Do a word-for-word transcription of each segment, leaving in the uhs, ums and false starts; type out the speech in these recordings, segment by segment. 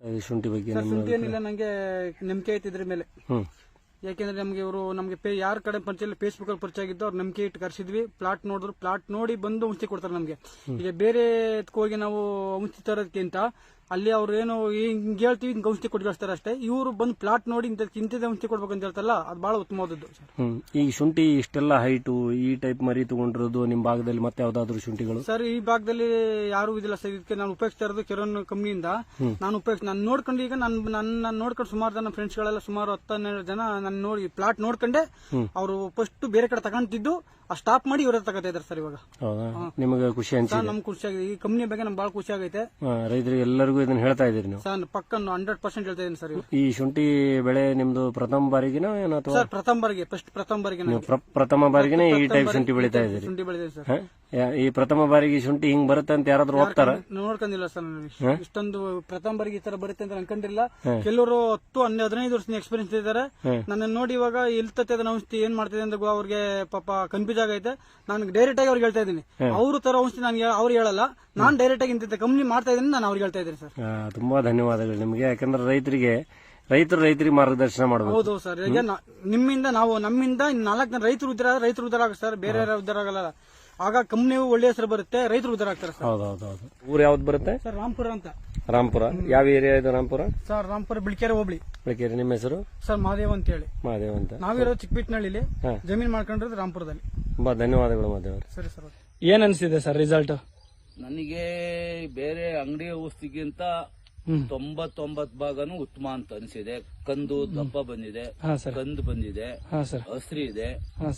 ಶುಂಠಿ ಬಗ್ಗೆ ಶುಂಠಿ ಏನಿಲ್ಲ, ನಂಗೆ ನಂಬಿಕೆ ಐತಿ ಇದ್ರ ಮೇಲೆ. ಯಾಕೆಂದ್ರೆ ನಮ್ಗೆ ಇವರು ನಮ್ಗೆ ಯಾರ ಕಡೆ ಪರಿಚಯ ಇಲ್ಲ, ಫೇಸ್ಬುಕ್ ಅಲ್ಲಿ ಪರಿಚಯ ಆಗಿದ್ದು, ಅವ್ರು ನಂಬಿಕೆ ಇಟ್ಟು ಕರ್ಸಿದ್ವಿ. ಪ್ಲಾಟ್ ನೋಡಿದ್ರು, ಪ್ಲಾಟ್ ನೋಡಿ ಬಂದು ಔಷಧಿ ಕೊಡ್ತಾರೆ ನಮ್ಗೆ. ಈಗ ಬೇರೆ ಹೋಗಿ ನಾವು ಔಷಧಿ ತರೋದಕ್ಕಿಂತ ಅಲ್ಲಿ ಅವ್ರು ಏನು ಹಿಂಗ್ ಹೇಳ್ತೀವಿ, ಹಿಂಗ್ ಔಷಧಿ ಕೊಟ್ಟು ಕಳಿಸ್ತಾರೆ ಅಷ್ಟೇ. ಇವರು ಬಂದು ಪ್ಲಾಟ್ ನೋಡಿ ಇಂತ ಇಂಥದ್ದೇ ಔಷಧಿ ಕೊಡ್ಬೇಕು ಅಂತ ಹೇಳ್ತಾರಲ್ಲ, ಅದು ಬಹಳ ಉತ್ತಮವಾದದ್ದು. ಈ ಶುಂಠಿ ಇಷ್ಟೆಲ್ಲ ಹೈಟು ಈ ಟೈಪ್ ಮರಿ ತಗೊಂಡಿರೋದು ನಿಮ್ ಭಾಗದಲ್ಲಿ ಮತ್ತೆ ಯಾವ್ದಾದ್ರು ಶುಂಠಿಗಳು? ಸರ್, ಈ ಭಾಗದಲ್ಲಿ ಯಾರು ಇದಿಲ್ಲ ಸರ್. ಇದಕ್ಕೆ ನಾನು ಉಪಯೋಗಿಸ್ತಾ ಇರೋದು ಕೆರೋನ್ ಕಂಪ್ನಿಯಿಂದ. ನಾನು ಉಪಯೋಗಿಸ್ ನಾನು ನೋಡ್ಕೊಂಡು ಈಗ ನನ್ನ ನನ್ನ ನೋಡ್ಕೊಂಡು ಸುಮಾರು ಜನ ಫ್ರೆಂಡ್ಸ್ ಗಳೆಲ್ಲ ಸುಮಾರು ಹತ್ತು ಹನ್ನೆರಡು ಜನ ನನ್ನ ನೋಡಿ ಪ್ಲಾಟ್ ನೋಡ್ಕೊಂಡೆ ಅವರು ಫಸ್ಟ್ ಬೇರೆ ಕಡೆ ತಗೊಂತಿದ್ದು ಸ್ಟಾಪ್ ಮಾಡಿ ಇವ್ರ ತಗೋತಾ ಇದಾರೆ ಸರ್. ಇವಾಗ ನಿಮಗೆ ಖುಷಿ ಅನ್ಸಿದೆ? ನಮ್ಗೆ ಖುಷಿ ಆಗಿದೆ. ಈ ಕಂಪ್ನಿ ಬಗ್ಗೆ ನಮ್ಗೆ ಬಹಳ ಖುಷಿ ಆಗೈತೆ. ರೈತರಿಗೆ ಎಲ್ಲರಿಗೂ ಇದನ್ನ ಹೇಳ್ತಾ ಇದೀರಿ ನೀವು? ಸರ್, ಪಕ್ಕ ಹಂಡ್ರೆಡ್ ಪರ್ಸೆಂಟ್ ಹೇಳ್ತಾ ಇದೀನಿ ಸರ್. ಈ ಶುಂಠಿ ಬೆಳೆ ನಿಮ್ದು ಪ್ರಥಮ ಬಾರಿಗಿನ ಏನೋ? ಸರ್, ಪ್ರಥಮ ಬಾರಿಗೆ ಫಸ್ಟ್ ಪ್ರಥಮ ಬಾರಿಗೆ ಪ್ರಥಮ ಬಾರಿಗೆನೆ ಈ ಟೈಪ್ ಶುಂಠಿ ಬೆಳಿತಾ ಇದ್ದೀರಿ? ಶುಂಠಿ ಬೆಳೆದಿದೆ ಸರ್. ಈ ಪ್ರಥಮ ಬಾರಿಗೆ ಶುಂಠಿ ಹಿಂಗ್ ಬರುತ್ತೆ ಅಂತ ಯಾರಾದ್ರೂ ಹೋಗ್ತಾರ? ನೋಡ್ಕೊಂಡಿಲ್ಲ ಸರ್. ಇಷ್ಟೊಂದು ಪ್ರಥಮ ಬಾರಿಗೆ ಈ ತರ ಬರುತ್ತೆ ಅಂತ ಅನ್ಕೊಂಡಿಲ್ಲ. ಕೆಲವರು ಹತ್ತು ಹನ್ನೆರಡು ಹದಿನೈದು ವರ್ಷದ ಎಕ್ಸ್ಪೀರಿಯನ್ಸ್ ಇದ್ದಾರೆ. ನನ್ನ ನೋಡಿ ಇವಾಗ ಇಲ್ತತೆ ಅದನ್ನ ಔಷಧಿ ಏನ್ ಮಾಡ್ತಿದೆ ಅಂತ ಅವ್ರಿಗೆ ಪಾಪ ಕನ್ಫ್ಯೂಸ್ ಆಗೈತೆ. ನಾನು ಡೈರೆಕ್ಟ್ ಆಗಿ ಅವ್ರಿಗೆ ಹೇಳ್ತಾ ಇದ್ದೀನಿ, ಅವರು ತರ ಔಷಧಿ ನಾನು ಅವ್ರು ಹೇಳಲ್ಲ, ನಾನ್ ಡೈರೆಕ್ಟ್ ಆಗಿ ಇಂತ ಕಂಪ್ನಿ ಮಾಡ್ತಾ ಇದ್ದೀನಿ, ನಾನು ಅವ್ರಿಗೆ ಹೇಳ್ತಾ ಇದ್ದೀನಿ ಸರ್. ತುಂಬಾ ಧನ್ಯವಾದಗಳು ನಿಮಗೆ. ಯಾಕಂದ್ರೆ ರೈತರಿಗೆ ರೈತರು ರೈತರಿಗೆ ಮಾರ್ಗದರ್ಶನ ಮಾಡಬೇಕು. ಹೌದು ಸರ್. ಈಗ ನಿಮ್ಮಿಂದ ನಾವು ನಮ್ಮಿಂದ ನಾಲ್ಕು ಜನ ರೈತರು ಉದ್ದಾರ ರೈತರು ಉದ್ದಾರ ಆಗ ಸರ್, ಬೇರೆ ಉದ್ದಾರ ಆಗಲ್ಲ. ಆಗ ಕಂಪ್ನಿಯು ಒಳ್ಳೆ ಹೆಸರು ಬರುತ್ತೆ, ರೈತರು ಉದ್ದಾರ ಆಗ್ತಾರೆ ಸರ್. ಹೌದೌದು. ಊರು ಯಾವ್ದು ಬರುತ್ತೆ ಸರ್? ರಾಂಪುರ ಅಂತ. ರಾಂಪುರ ಯಾವ ಏರಿಯಾ ಇದೆ? ರಾಂಪುರ ಸರ್, ರಾಂಪುರ ಬಿಳಿಕೆರೆ ಹೋಬಳಿ. ಬಿಳಿಕೆರೆ. ನಿಮ್ಮ ಹೆಸರು? ಸರ್, ಮಹಾದೇವ್ ಅಂತ ಹೇಳಿ. ಮಹಾದೇವ್ ಅಂತ. ನಾವಿರೋದು ಚಿಕ್ಕಬಿಟ್ನಳ್ಳಿಲಿ, ಜಮೀನ್ ಮಾಡ್ಕೊಂಡಿರೋದು ರಾಂಪುರದಲ್ಲಿ. ತುಂಬಾ ಧನ್ಯವಾದಗಳು ಮಹಾದೇವ್. ಸರಿ ಸರ್. ಏನ್ ಅನ್ಸಿದೆ ಸರ್ ರಿಸಲ್ಟ್? ನನಗೆ ಬೇರೆ ಅಂಗಡಿ ಔಷಧಿಗಿಂತ ತೊಂಬತ್ತೊಂಬತ್ ಭಾಗನು ಉತ್ತಮ ಅಂತ ಅನಿಸಿದೆ. ಕಂದು ದಪ್ಪ ಬಂದಿದೆ, ಕಂದು ಬಂದಿದೆ, ಹಸ್ರಿ ಇದೆ,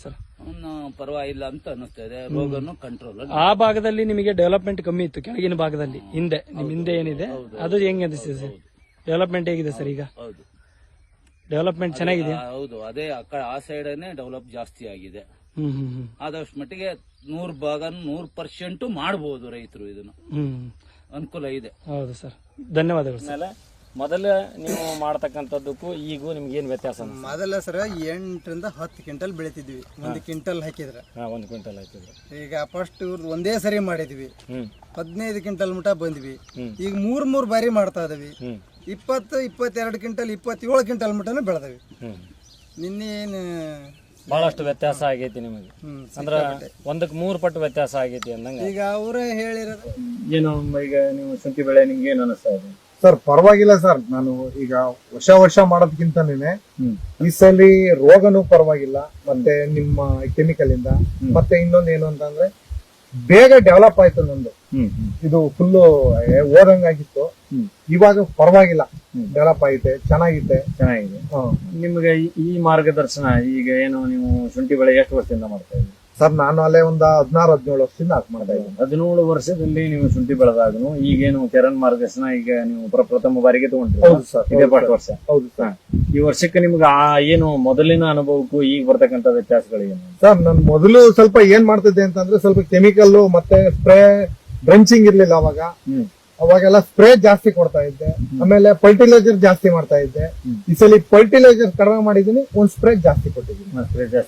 ಪರವಾಗಿಲ್ಲ ಅಂತ ಅನಿಸ್ತಾ ಇದೆ. ರೋಗನು ಕಂಟ್ರೋಲ್. ಆ ಭಾಗದಲ್ಲಿ ನಿಮಗೆ ಡೆವಲಪ್ಮೆಂಟ್ ಕಮ್ಮಿ ಇತ್ತು, ಕೆಳಗಿನ ಭಾಗದಲ್ಲಿ ಹಿಂದೆ ನಿಮ್ ಹಿಂದೆ ಏನಿದೆ ಅದು ಹೆಂಗ್ ಅನಿಸ್ತಿದೆ ಸರ್? ಡೆವಲಪ್ಮೆಂಟ್ ಹೇಗಿದೆ ಸರ್ ಈಗ? ಹೌದು, ಡೆವಲಪ್ಮೆಂಟ್ ಚೆನ್ನಾಗಿದೆ. ಹೌದು, ಅದೇ ಆ ಸೈಡ್ ಡೆವಲಪ್ ಜಾಸ್ತಿ ಆಗಿದೆ. ಆದಷ್ಟು ಮಟ್ಟಿಗೆ ನೂರ್ ಭಾಗ ನೂರ್ ಪರ್ಸೆಂಟ್ ಮಾಡಬಹುದು ರೈತರು. ಇದನ್ನು ಅನುಕೂಲ ಇದೆ. ಹೌದು ಸರ್, ಧನ್ಯವಾದಗಳು. ಮೊದಲ ನೀವು ಮಾಡತಕ್ಕಂಥದ್ದಕ್ಕೂ ಈಗೂ ನಿಮ್ಗೆ ಏನ್ ವ್ಯತ್ಯಾಸ? ಮೊದಲ ಸರ್ ಎಂಟರಿಂದ ಹತ್ತು ಕ್ವಿಂಟಲ್ ಬೆಳಿತಿದ್ವಿ, ಒಂದು ಕ್ವಿಂಟಲ್ ಹಾಕಿದ್ರೆ. ಒಂದು ಕ್ವಿಂಟಲ್ ಹಾಕಿದ್ರೆ ಈಗ ಫಸ್ಟ್ ಇವ್ರು ಒಂದೇ ಸರಿ ಮಾಡಿದ್ವಿ, ಹದಿನೈದು ಕ್ವಿಂಟಲ್ ಮಟ ಬಂದ್ವಿ. ಈಗ ಮೂರ್ ಮೂರ್ ಬಾರಿ ಮಾಡ್ತಾ ಇದವಿ. ಇಪ್ಪತ್ತು ಇಪ್ಪತ್ತೆರಡು ಕ್ವಿಂಟಲ್ ಇಪ್ಪತ್ತೇಳು ಕ್ವಿಂಟಲ್ ಮಟನು ಬೆಳೆದವಿ. ನಿನ್ನೆ ಏನು ಬಹಳಷ್ಟು ವ್ಯತ್ಯಾಸ ಆಗೈತಿ ನಿಮಗೆ? ಅಂದ್ರ ಒಂದಕ್ಕೆ ಮೂರು ಪಟ್ಟು ವ್ಯತ್ಯಾಸ ಆಗೈತಿ ಅಂದಂಗ. ಈಗ ಅವರೇ ಹೇಳಿರೋದು ಏನು ಈಗ ನೀವು ಶುಂಠಿ ಬೆಳೆ ನಿಮ್ಗೆ ಏನ್ ಅನಿಸ್ತಾ ಇದೆ? ಸರ್, ಪರವಾಗಿಲ್ಲ ಸರ್. ನಾನು ಈಗ ವರ್ಷ ವರ್ಷ ಮಾಡೋದಕ್ಕಿಂತನೇ ಈ ಸಲ ರೋಗನೂ ಪರವಾಗಿಲ್ಲ, ಮತ್ತೆ ನಿಮ್ಮ ಕೆಮಿಕಲ್ ಇಂದ ಮತ್ತೆ ಇನ್ನೊಂದು ಏನು ಅಂತಂದ್ರೆ ಬೇಗ ಡೆವಲಪ್ ಆಯ್ತು ನಂದು. ಇದು ಫುಲ್ಲು ಓದಂಗಾಗಿತ್ತು, ಇವಾಗ ಪರವಾಗಿಲ್ಲ, ಡೆವಲಪ್ ಆಗಿದೆ, ಚೆನ್ನಾಗಿದೆ ಚೆನ್ನಾಗಿದೆ. ನಿಮ್ಗೆ ಈ ಮಾರ್ಗದರ್ಶನ ಈಗ ಏನು ನೀವು ಶುಂಠಿ ಬೆಳೆ ಎಷ್ಟು ವರ್ಷದಿಂದ ಮಾಡ್ತಾ ಇದ್ದೀವಿ? ಸರ್, ನಾನು ಅಲ್ಲೇ ಒಂದು ಹದಿನಾರು ಹದಿನೇಳು ವರ್ಷದಿಂದ ಹಾಕಿ ಮಾಡ್ತಾ ಇದ್ದೀನಿ. ಹದಿನೇಳು ವರ್ಷದಲ್ಲಿ ನೀವು ಶುಂಠಿ ಬೆಳೆದಾಗನು ಈಗೇನು ಕೆರನ್ ಮಾರ್ಗದರ್ಶನ ಈಗ ನೀವು ಪ್ರಥಮ ಬಾರಿಗೆ ತಗೊಂಡ್ರಿ? ಹೌದು ಸರ್, ಇದೇ ಪಾಠ ವರ್ಷ. ಹೌದು ಸರ್. ಈ ವರ್ಷಕ್ಕೆ ನಿಮ್ಗೆ ಆ ಏನು ಮೊದಲಿನ ಅನುಭವಕ್ಕೂ ಈಗ ಬರ್ತಕ್ಕಂಥ ವ್ಯತ್ಯಾಸಗಳು ಏನು? ಸರ್, ನಾನು ಮೊದಲು ಸ್ವಲ್ಪ ಏನ್ ಮಾಡ್ತಿದ್ದೆ ಅಂತಂದ್ರೆ ಸ್ವಲ್ಪ ಕೆಮಿಕಲ್ ಮತ್ತೆ ಸ್ಪ್ರೇ ಡ್ರಂಚಿಂಗ್ ಇರ್ಲಿಲ್ಲ ಅವಾಗ. ಅವಾಗೆಲ್ಲ ಸ್ಪ್ರೇ ಜಾಸ್ತಿ ಕೊಡ್ತಾ ಇದ್ದೆ, ಆಮೇಲೆ ಫರ್ಟಿಲೈಸರ್ ಜಾಸ್ತಿ ಮಾಡ್ತಾ ಇದ್ದೆ. ಈ ಸಲ ಫರ್ಟಿಲೈಸರ್ ಕಡಿಮೆ ಮಾಡಿದೀನಿ, ಒಂದ್ ಸ್ಪ್ರೇ ಜಾಸ್ತಿ ಕೊಟ್ಟಿದ್ದೀನಿ.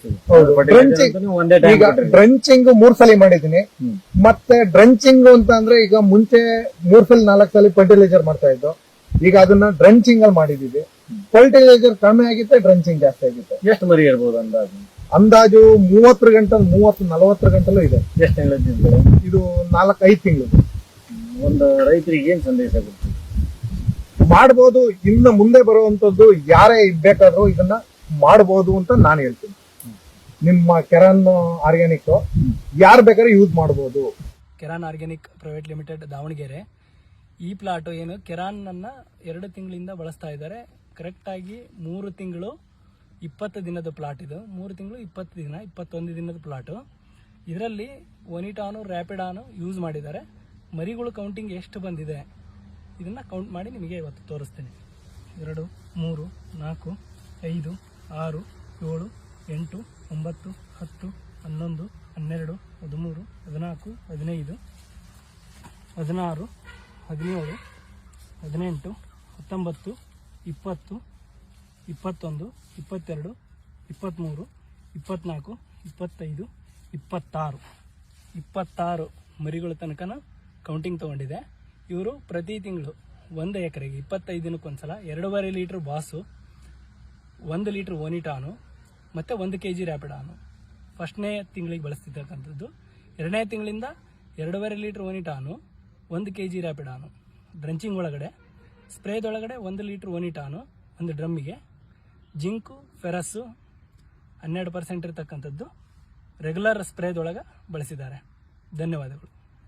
ಈಗ ಡ್ರಂಚಿಂಗ್ ಮೂರ್ ಸಲ ಮಾಡಿದೀನಿ. ಮತ್ತೆ ಡ್ರಂಚಿಂಗ್ ಅಂತ ಅಂದ್ರೆ ಈಗ ಮುಂಚೆ ಮೂರ್ ಸಲ ನಾಲ್ಕು ಸಲ ಫರ್ಟಿಲೈಸರ್ ಮಾಡ್ತಾ ಇದ್ದು, ಈಗ ಅದನ್ನ ಡ್ರಂಚಿಂಗ್ ಅಲ್ಲಿ ಮಾಡಿದೀವಿ. ಫರ್ಟಿಲೈಸರ್ ಕಡಿಮೆ ಆಗಿತ್ತೆ, ಡ್ರಂಚಿಂಗ್ ಜಾಸ್ತಿ ಆಗಿತ್ತೆ. ಎಷ್ಟು ಮರಿ ಇರ್ಬೋದು ಅಂದಾಜು? ಅಂದಾಜು ಮೂವತ್ತರ ಗಂಟಲು ಮೂವತ್ತು ನಲವತ್ತರ ಗಂಟಲು ಇದೆ. ಎಷ್ಟು ತಿಂಗಳು? ಇದು ನಾಲ್ಕು ಐದು ತಿಂಗಳು. ಒಂದು ರೈತರಿಗೆ ಏನ್ ಸಂದೇಶ ಕೊಡ್ತೀವಿ? ಮಾಡಬಹುದು, ಇನ್ನು ಮುಂದೆ ಬರುವಂತದ್ದು ಯಾರೇ ಬೇಕಾದ್ರೂ ಇದನ್ನ ಮಾಡಬಹುದು ಅಂತ ನಾನು ಹೇಳ್ತೀನಿ. ನಿಮ್ಮ ಕೆರಾನ್ ಆರ್ಗ್ಯಾನಿಕ್ ಯಾರು ಬೇಕಾದ್ರೂ ಯೂಸ್ ಮಾಡಬಹುದು. ಕೆರಾನ್ ಆರ್ಗ್ಯಾನಿಕ್ ಪ್ರೈವೇಟ್ ಲಿಮಿಟೆಡ್ ದಾವಣಗೆರೆ. ಈ ಪ್ಲಾಟ್ ಏನು ಕೆರಾನ್ ಅನ್ನ ಎರಡು ತಿಂಗಳಿಂದ ಬಳಸ್ತಾ ಇದ್ದಾರೆ. ಕರೆಕ್ಟ್ ಆಗಿ ಮೂರು ತಿಂಗಳು ಇಪ್ಪತ್ತು ದಿನದ ಪ್ಲಾಟ್ ಇದು. ಮೂರು ತಿಂಗಳು ಇಪ್ಪತ್ತು ದಿನ ಇಪ್ಪತ್ತೊಂದು ದಿನದ ಪ್ಲಾಟು. ಇದರಲ್ಲಿ ಒನಿಟಾನು ರ್ಯಾಪಿಡಾನು ಯೂಸ್ ಮಾಡಿದ್ದಾರೆ. ಮರಿಗಳು ಕೌಂಟಿಂಗ್ ಎಷ್ಟು ಬಂದಿದೆ ಇದನ್ನು ಕೌಂಟ್ ಮಾಡಿ ನಿಮಗೆ ಇವತ್ತು ತೋರಿಸ್ತೇನೆ. ಎರಡು, ಮೂರು, ನಾಲ್ಕು, ಐದು, ಆರು, ಏಳು, ಎಂಟು, ಒಂಬತ್ತು, ಹತ್ತು, ಹನ್ನೊಂದು, ಹನ್ನೆರಡು, ಹದಿಮೂರು, ಹದಿನಾಲ್ಕು, ಹದಿನೈದು, ಹದಿನಾರು, ಹದಿನೇಳು, ಹದಿನೆಂಟು, ಹತ್ತೊಂಬತ್ತು, ಇಪ್ಪತ್ತು, ಇಪ್ಪತ್ತೊಂದು, ಇಪ್ಪತ್ತೆರಡು, ಇಪ್ಪತ್ತ್ಮೂರು, ಇಪ್ಪತ್ತ್ನಾಲ್ಕು, ಇಪ್ಪತ್ತೈದು, ಇಪ್ಪತ್ತಾರು ಇಪ್ಪತ್ತಾರು ಮರಿಗಳ ತನಕ ಕೌಂಟಿಂಗ್ ತೊಗೊಂಡಿದೆ. ಇವರು ಪ್ರತಿ ತಿಂಗಳು ಒಂದು ಎಕರೆಗೆ ಇಪ್ಪತ್ತೈದು ದಿನಕ್ಕೊಂದ್ಸಲ ಎರಡೂವರೆ ಲೀಟ್ರ್ ಬಾಸು, ಒಂದು ಲೀಟ್ರ್ ಓನಿಟಾನು ಮತ್ತು ಒಂದು ಕೆ ಜಿ ರ್ಯಾಪಿಡಾನು ಫಸ್ಟ್ನೇ ತಿಂಗಳಿಗೆ ಬಳಸ್ತಿರ್ತಕ್ಕಂಥದ್ದು. ಎರಡನೇ ತಿಂಗಳಿಂದ ಎರಡೂವರೆ ಲೀಟ್ರ್ ಓನಿಟಾನು, ಒಂದು ಕೆ ಜಿ ರ್ಯಾಪಿಡಾನು ಡ್ರಂಚಿಂಗ್ ಒಳಗಡೆ, ಸ್ಪ್ರೇದೊಳಗಡೆ ಒಂದು ಲೀಟ್ರ್ ಓನಿಟಾನು ಒಂದು ಡ್ರಮ್ಮಿಗೆ, ಜಿಂಕು ಫೆರಸ್ಸು ಹನ್ನೆರಡು ಪರ್ಸೆಂಟ್ ಇರತಕ್ಕಂಥದ್ದು ರೆಗ್ಯುಲರ್ ಸ್ಪ್ರೇದೊಳಗೆ ಬಳಸಿದ್ದಾರೆ. ಧನ್ಯವಾದಗಳು.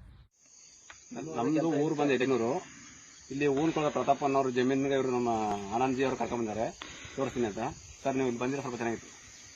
ನಮ್ದು ಊರು ಬಂದು ಎಟೆನೂರು. ಇಲ್ಲಿ ಊನ್ಕೊಳ ಪ್ರತಾಪ್ ಅನ್ನೋರು ಜಮೀನಿಗೆ ಇವರು ನಮ್ಮ ಆನಂದ್ಜಿ ಅವರು ಕರ್ಕೊಂಡ್ ಬಂದಾರೆ, ತೋರಿಸ್ತೀನಿ ಅಂತ. ಸರ್ ನೀವು ಇಲ್ಲಿ ಬಂದಿರೋ ಸ್ವಲ್ಪ ಚೆನ್ನಾಗಿತ್ತು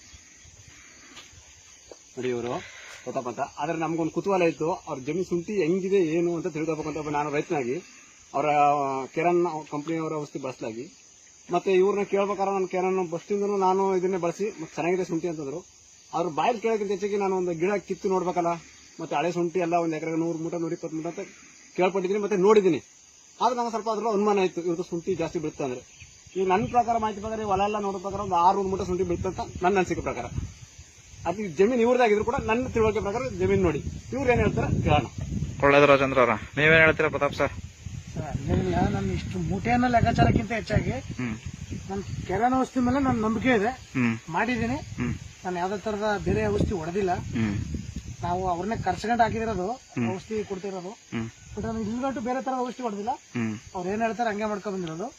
ನೋಡಿ, ಇವರು ಪ್ರತಾಪ್ ಅಂತ. ಆದ್ರೆ ನಮ್ಗೊಂದು ಕುತೂಹಲ ಇತ್ತು, ಅವ್ರ ಜಮೀನು ಶುಂಠಿ ಹೆಂಗಿದೆ ಏನು ಅಂತ ತಿಳ್ಕೊಬೇಕಂತ ನಾನು ರೈತನಾಗಿ ಅವರ ಕೆರನ್ ಕಂಪ್ನಿಯವರ ಔಷಧಿ ಬಳಸಲಾಗಿ ಮತ್ತೆ ಇವ್ರನ್ನ ಕೇಳ್ಬೇಕಾದ್ರೆ ನಾನು ಕೆರನ್ ಬಸ್ಟಿಂದನೂ ನಾನು ಇದನ್ನೇ ಬಳಸಿ ಮತ್ತೆ ಚೆನ್ನಾಗಿದೆ ಶುಂಠಿ ಅಂತಂದ್ರು. ಅವ್ರ ಬಾಯಲ್ಲಿ ಕೇಳೋಕ್ಕಿಂತ ಹೆಚ್ಚಿಗೆ ನಾನು ಒಂದು ಗಿಡ ಕಿತ್ತು ನೋಡ್ಬೇಕಲ್ಲ, ಮತ್ತೆ ಹಳೆ ಶುಂಠಿ ಎಲ್ಲ ಒಂದು ಎಕರೆಗೆ ನೂರು ಮೂಟ ನೂರ ಇಪ್ಪತ್ತು ಮೂಟ ಅಂತ ಕೇಳ್ಪಟ್ಟಿದ್ದೀನಿ ಮತ್ತೆ ನೋಡಿದ್ದೀನಿ. ಆದ್ರೆ ನಂಗೆ ಸ್ವಲ್ಪ ಅದ್ರಲ್ಲಿ ಅನುಮಾನ ಇತ್ತು, ಇವ್ರದ್ದು ಶುಂಠಿ ಜಾಸ್ತಿ ಬೀಳುತ್ತೆ ಅಂದ್ರೆ. ಈಗ ನನ್ನ ಪ್ರಕಾರ ಮಾಹಿತಿ ಪ್ರಕಾರ ಹೊಲ ಎಲ್ಲ ನೋಡೋ ಪ್ರಕಾರ ಒಂದು ಆರು ಮೂಟ ಶುಂಠಿ ಬೀಳುತ್ತೆ ಅಂತ ನನ್ನ ಅನಿಸಿಕೆ ಪ್ರಕಾರ. ಅದು ಜಮೀನು ಇವ್ರದಾಗಿದ್ರು ಕೂಡ ನನ್ನ ತಿಳುವಳಿಕೆ ಪ್ರಕಾರ ಜಮೀನು ನೋಡಿ ಇವ್ರು ಏನ್ ಹೇಳ್ತಾರೆ ಕೇಳೋಣ. ಒಳ್ಳೇದು ರಾಜೇಂದ್ರ ಅವರ, ನೀವೇನ್ ಹೇಳ್ತೀರಾ ಪ್ರತಾಪ್ ಸರ್? ಇಲ್ಲ, ನನ್ನ ಇಷ್ಟು ಮೂಟೆಯನ್ನ ಲೆಕ್ಕಾಚಾರಕ್ಕಿಂತ ಹೆಚ್ಚಾಗಿ ನನ್ನ ಕೆರನ್ ಔಷಧಿ ಮೇಲೆ ನನ್ನ ನಂಬಿಕೆ ಇದೆ, ಮಾಡಿದ್ದೀನಿ. ನಾನು ಯಾವ್ದೇ ತರದ ಬೇರೆ ಔಷಧಿ ಹೊಡೆದಿಲ್ಲ. ನಾವು ಅವ್ರನ್ನೇ ಕರ್ಸ್ಕೊಂಡು ಹಾಕಿದಿರೋದು ಔಷಧಿ ಕೊಡ್ತಿರೋದು. ಬಟ್ ನಾನು ಇಲ್ಲಿಗಂಟು ಬೇರೆ ತರದ ಔಷಧಿ ಹೊಡೆದಿಲ್ಲ. ಅವ್ರು ಏನ್ ಹೇಳ್ತಾರೆ ಹಂಗೆ ಮಾಡ್ಕೊಂಡ್ ಬಂದಿರೋದು.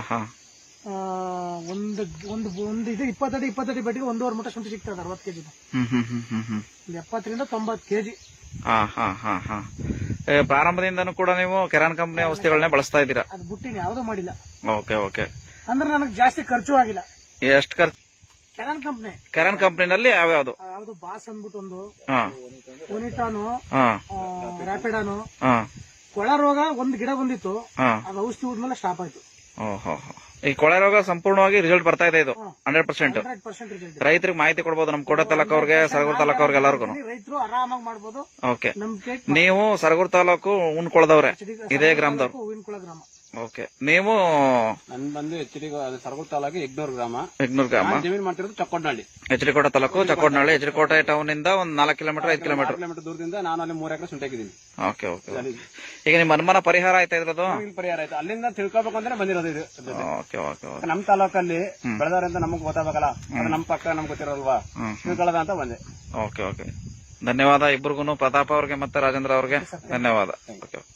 ಒಂದು ಒಂದು ಒಂದು ಇದು ಇಪ್ಪತ್ತಡಿ ಇಪ್ಪತ್ತಡಿ ಬಟ್ಟಿಗೆ ಒಂದೂವರೆ ಮೂಟ ಶುಂಠಿ ಸಿಗ್ತದೆ ಅರವತ್ತು ಕೆಜಿ, ಎಪ್ಪತ್ತರಿಂದ ತೊಂಬತ್ತು ಕೆಜಿ. ಪ್ರಾರಂಭದಿಂದನೂ ಕೂಡ ನೀವು ಕೆರಾನ್ ಕಂಪನಿ ಔಷಧಿಗಳನ್ನೇ ಬಳಸ್ತಾ ಇದ್ದೀರಾ? ಅದು ಬುಟ್ಟಿನ ಯಾವ್ದು ಮಾಡಿಲ್ಲ. Okay okay. ಅಂದ್ರೆ ನನಗೆ ಜಾಸ್ತಿ ಖರ್ಚು ಆಗಿಲ್ಲ. ಎಷ್ಟು ಖರ್ಚು? ಕೆರಾನ್ ಕಂಪ್ನಿ ಕೆರಾನ್ ಕಂಪನಿನಲ್ಲಿ ಯಾವ್ಯಾವ್ದು? ಯಾವ್ದು ಬಾಸ್ ಅಂದ್ಬಿಟ್ಟು ಒಂದು, ಓನಿಟಾನು, ರ್ಯಾಪಿಡಾನು. ಕೊಳ ರೋಗ ಒಂದು ಗಿಡ ಬಂದಿತ್ತು, ಅದು ಔಷಧಿ ಹೋದ್ಮೇಲೆ ಸ್ಟಾಪ್ ಆಯ್ತು. ಓಹೋ, ಈ ಕೊಳೆ ರೋಗ ಸಂಪೂರ್ಣವಾಗಿ ರಿಸಲ್ಟ್ ಬರ್ತಾ ಇದೆ. ಇದು ಹಂಡ್ರೆಡ್ ಪರ್ಸೆಂಟ್ ರೈತರಿಗೆ ಮಾಹಿತಿ ಕೊಡಬಹುದು, ನಮ್ ಕೋಟ ತಾಲೂಕು ಅವ್ರಿಗೆ, ಸರಗೂರು ತಾಲೂಕು ಅವ್ರಿಗೆ ಎಲ್ಲರಿಗೂ ರೈತರು ಆರಾಮಾಗಿ ಮಾಡಬಹುದು. ಓಕೆ, ನೀವು ಸರಗೂರು ತಾಲೂಕು ಉಣ್ಕೊಳ್ದವ್ರೆ, ಇದೇ ಗ್ರಾಮದವ್ರು. ಹೂವಿನಕೊಳ ಗ್ರಾಮ. ಓಕೆ, ನೀವು ನನ್ ಬಂದು ಎಚ್ ಡಿ ಸರಗೂರು ತಾಲೂಕು ಯಗ್ನೂರು ಗ್ರಾಮ. ಯಗ್ನೂರು ಗ್ರಾಮ ಜಮೀನು ಮಾಡ್ತಿರೋದು Chakkodanahalli, H D Kote taluk Chakkodanahalli. H D Kote town ಇಂದ ಒಂದ್ ನಾಲ್ಕು ಕಿಲೋಮೀಟರ್ ಐದು ಕಿಲೋಮೀಟರ್ ಕಿಲೋಮೀಟರ್ ದೂರದಿಂದ ನಾನು ಅಲ್ಲಿ ಮೂರ್ ಎಕರೆ ಶುಂಠಿ ಹಾಕಿದ್ದೀನಿ. Okay okay. ಈಗ ನಿಮ್ಮ ಅನುಮಾನ ಪರಿಹಾರ ಆಯ್ತಾ ಇದ್ರದ್ದು? ಪರಿಹಾರ ಆಯ್ತು, ಅಲ್ಲಿಂದ ತಿಳ್ಕೊಬೇಕು ಅಂದ್ರೆ ಬಂದಿರೋದು ಇದು. Okay okay. ನಮ್ ತಾಲೂಕಲ್ಲಿ ಬೆಳೆದವರಿಂದ ನಮಗ್ ಗೊತ್ತಾಗಬೇಕಲ್ಲ, ನಮ್ ಪಕ್ಕ ನಮ್ಗೆ ಗೊತ್ತಿರೋಲ್ವಾ, ತಿಳ್ಕೊಳ್ಳೋದ ಅಂತ ಬಂದೆ. Okay okay. ಧನ್ಯವಾದ ಇಬ್ಬರಿಗೂ, ಪ್ರತಾಪ್ ಅವ್ರಿಗೆ ಮತ್ತೆ ರಾಜೇಂದ್ರ ಅವ್ರಿಗೆ ಧನ್ಯವಾದ. ಓಕೆ.